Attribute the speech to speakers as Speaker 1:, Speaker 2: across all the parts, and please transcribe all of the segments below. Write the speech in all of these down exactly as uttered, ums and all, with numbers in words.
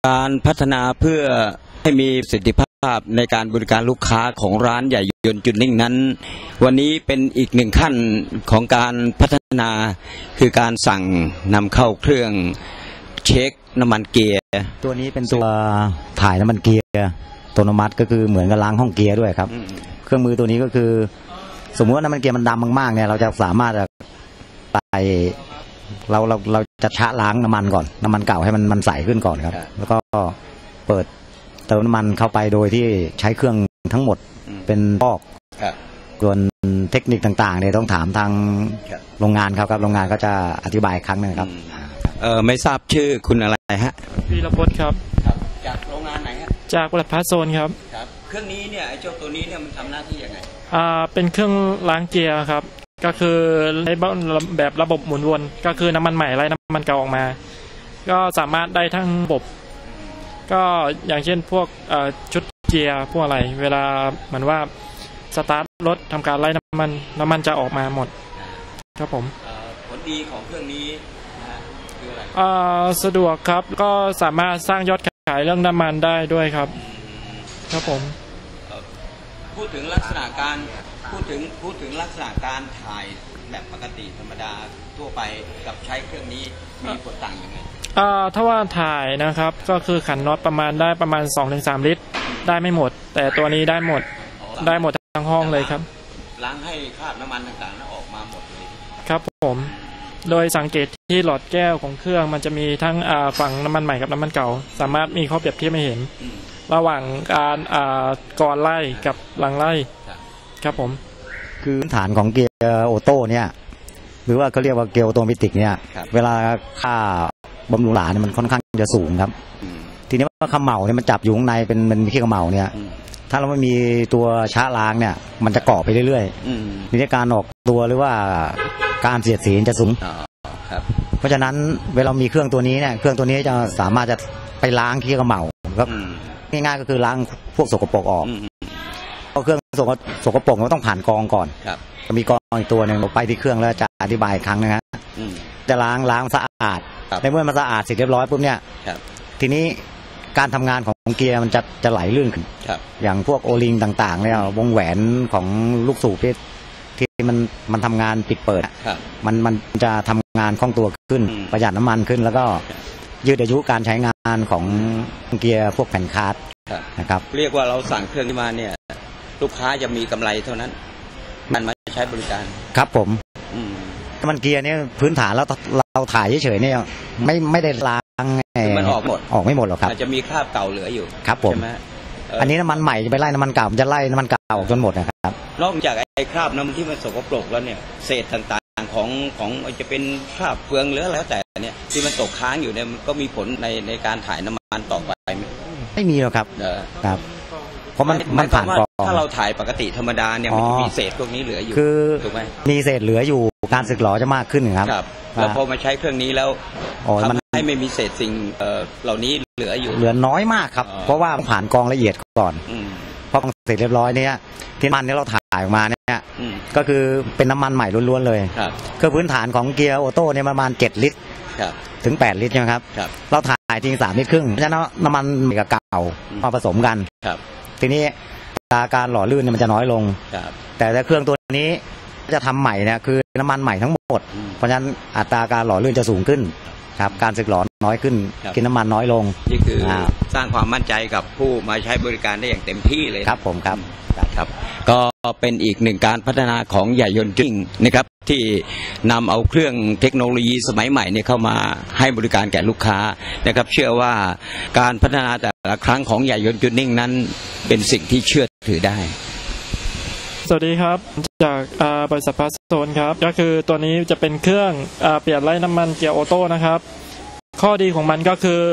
Speaker 1: การพัฒนาเพื่อให้มีประสิทธิภาพในการบริการลูกค้าของร้านใหญ่ยนต์จุดนิ่งนั้นวันนี้เป็นอีกหนึ่งขั้นของการพัฒนาคือการสั่งนำเข้าเครื่องเช็คน้ำมันเกียร์
Speaker 2: ตัวนี้เป็นตัวถ่ายน้ำมันเกียร์อัตโนมัติก็คือเหมือนกับล้างห้องเกียร์ด้วยครับเครื่องมือตัวนี้ก็คือสมมติว่าน้ำมันเกียร์มันดำมากๆเนี่ยเราจะสามารถไปเราเราเราจะชะล้างน้ำมันก่อนน้ำมันเก่าให้มันมันใสขึ้นก่อนครับแล้วก็เปิดเติมน้ำมันเข้าไปโดยที่ใช้เครื่องทั้งหมดเป็นฟอกส่วนเทคนิคต่างๆเนี่ยต้องถามทางโรงงานครับครับโรงงานก็จะอธิบายครั้งนึงครับ
Speaker 1: เออไม่ทราบชื่อคุณอะไรฮะ
Speaker 3: วีรพจน์ครับ
Speaker 1: จากโรงงานไหนฮะ
Speaker 3: จากบริษัทพาโซนครับ
Speaker 1: ครับเครื่องนี้เนี่ยไอ้เจ้าตัวนี้เนี่ยมันทำหน้าที่ยังไง
Speaker 3: อ่าเป็นเครื่องล้างเกียร์ครับก็คือในแบบระบบหมุนวนก็คือน้ำมันใหม่ไล่น้ำมันเก่าออกมาก็สามารถได้ทั้งระบบก็อย่างเช่นพวกชุดเกียร์พวกอะไรเวลาเหมือนว่าสตาร์ทรถทำการไล่น้ำมันน้ำมันจะออกมาหมดครับผม
Speaker 1: ผลดีของเครื่องนี้คืออะไร
Speaker 3: สะดวกครับก็สามารถสร้างยอดขายเรื่องน้ำมันได้ด้วยครับครับผม
Speaker 1: พูดถึงลักษณะการพูดถึงพูดถึงลักษณะการถ่ายแบบปกติธรรมดาทั่วไปกับใช้เครื่องนี้มีผลต่างยังไง
Speaker 3: อ่าถ้าว่าถ่ายนะครับก็คือขันน็อตประมาณได้ประมาณ สองถึงสาม ลิตรได้ไม่หมดแต่ตัวนี้ได้หมดได้หมดทั้งห้องเลยครับ
Speaker 1: ล้างให้คราบน้ำมันต่างๆนั้นออกมาหมดเลย
Speaker 3: ครับผมโดยสังเกตที่หลอดแก้วของเครื่องมันจะมีทั้งฝั่งน้ำมันใหม่กับน้ำมันเก่าสามารถมีข้อเปรียบเทียบให้เห็นระหว่างการก่อนไล่กับหลังไล่ครับผม
Speaker 2: คือฐานของเกียร์โอโต้เนี่ยหรือว่าเขาเรียกว่าเกียร์ออโตเมติกเนี่ยเวลาค่าบำรุงหลาเนี่ยมันค่อนข้างจะสูงครับทีนี้ว่าขมเหลาเนี่ยมันจับอยู่ข้างในเป็นมันมีขี้ขมเหลาเนี่ยถ้าเราไม่มีตัวชะล้างเนี่ยมันจะเกาะไปเรื่อยๆทีนี้การออกตัวหรือว่าการเสียดสีจะสูงเพราะฉะนั้นเวลามีเครื่องตัวนี้เนี่ยเครื่องตัวนี้จะสามารถจะไปล้างขี้ขมเหลาก็ง่ายๆก็คือล้างพวกสกปรกออกเพราะเครื่องสกปรกมันต้องผ่านกรองก่อนจะมีกรองอีกตัวหนึ่งไปที่เครื่องแล้วจะอธิบายครั้งนึงนะจะล้างล้างสะอาดในเมื่อมันสะอาดเสร็จเรียบร้อยปุ๊บเนี่ยทีนี้การทำงานของเกียร์มันจะจะไหลลื่นขึ้นอย่างพวกโอลิงต่างๆเนี่ยวงแหวนของลูกสูบที่ที่มันมันทำงานปิดเปิดมันมันจะทำงานคล่องตัวขึ้นประหยัดน้ำมันขึ้นแล้วก็ยืดอายุการใช้งานของเกียร์พวกแผ่นคาร์ดนะครับ
Speaker 1: เรียกว่าเราสั่งเครื่องนี้มาเนี่ยลูกค้าจะมีกำไรเท่านั้นมันมาใช้บริการ
Speaker 2: ครับผมมันเกียร์เนี่ยพื้นฐานแล้วเราถ่ายเฉยๆเนี่ยไม่ไม่ได้ล้าง
Speaker 1: มันออกหมด
Speaker 2: ออกไม่หมดหรอกครับ
Speaker 1: อาจจะมีคราบเก่าเหลืออยู่
Speaker 2: ครับผมอันนี้น้ำมันใหม่จะไปไล่น้ำมันเก่าจะไล่น้ำมันเก่าจนหมดนะครับ
Speaker 1: นอกจากไอ้คราบน้ำที่มันสกปรกแล้วเนี่ยเศษต่างๆของของจะเป็นคราบเฟืองหรือแล้วแต่เนี่ยที่มันตกค้างอยู่เนี่ยก็มีผลในในการถ่ายน้ำมันต่อไปไหม
Speaker 2: ไม่มีหรอกครับครับเพราะมันมันผ่านกรอง
Speaker 1: ถ้าเราถ่ายปกติธรรมดาเนี่ยมันมีเศษพวกนี้เหลืออยู่
Speaker 2: คือ
Speaker 1: ถูกไหม
Speaker 2: มีเศษเหลืออยู่การสึกหรอจะมากขึ้นครับ
Speaker 1: แล้วพอมาใช้เครื่องนี้แล้วทำให้ไม่มีเศษสิ่งเหล่านี้เหลืออยู่
Speaker 2: เหลือน้อยมากครับเพราะว่าผ่านกรองละเอียดก่อนพอเสร็จเรียบร้อยเนี่ยที่มันที่เราถ่ายออกมาเนี่ยก็คือเป็นน้ำมันใหม่ล้วนๆเลยคือพื้นฐานของเกียร์ออโต้เนี่ยประมาณเจ็ดลิตรถึงแปดลิตรใช่ไหมครับเราถ่ายทิ้งสามลิตรครึ่งเพราะฉะนั้นน้ำมันกับเก่ามาผสมกันทีนี้การหล่อลื่นเนี่ยมันจะน้อยลงแต่ถ้าเครื่องตัวนี้จะทำใหม่เนี่ยคือน้ำมันใหม่ทั้งหมดเพราะฉะนั้นอัตราการหล่อลื่นจะสูงขึ้นครับการสึกหล่อน้อยขึ้นกินน้ำมันน้อยลง
Speaker 1: นี่คือสร้างความมั่นใจกับผู้มาใช้บริการได้อย่างเต็มที่เลย
Speaker 2: ครับผมครับ
Speaker 1: ครับก็เป็นอีกหนึ่งการพัฒนาของใหญ่ยนต์จริงนะครับที่นำเอาเครื่องเทคโนโลยีสมัยใหม่เนี่ยเข้ามาให้บริการแก่ลูกค้านะครับเชื่อว่าการพัฒนาแต่ละครั้งของใหญ่ยนต์จุดนิ่งนั้นเป็นสิ่งที่เชื่อถือได้
Speaker 3: สวัสดีครับจากบริษัทพาโซนครับก็คือตัวนี้จะเป็นเครื่องเปลี่ยนไล่น้ำมันเกียร์ออโต้นะครับข้อดีของมันก็คือ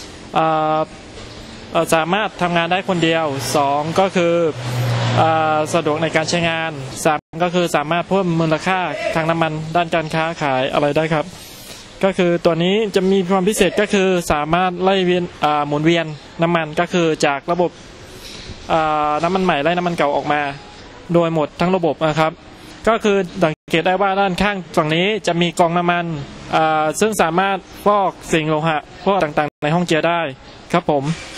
Speaker 3: สามารถทำงานได้คนเดียวสองก็คือสะดวกในการใช้งานสามก็คือสามารถเพิ่มมูลค่าทางน้ำมันด้านการค้าขายอะไรได้ครับก็คือตัวนี้จะมีความพิเศษก็คือสามารถไล่เวียนหมุนเวียนน้ำมันก็คือจากระบบน้ำมันใหม่ไล่น้ำมันเก่าออกมาโดยหมดทั้งระบบนะครับก็คือสังเกตได้ว่าด้านข้างฝั่งนี้จะมีกรองน้ำมันซึ่งสามารถฟอกสิ่งโลหะพวกต่างๆในห้องเกียร์ได้ครับผม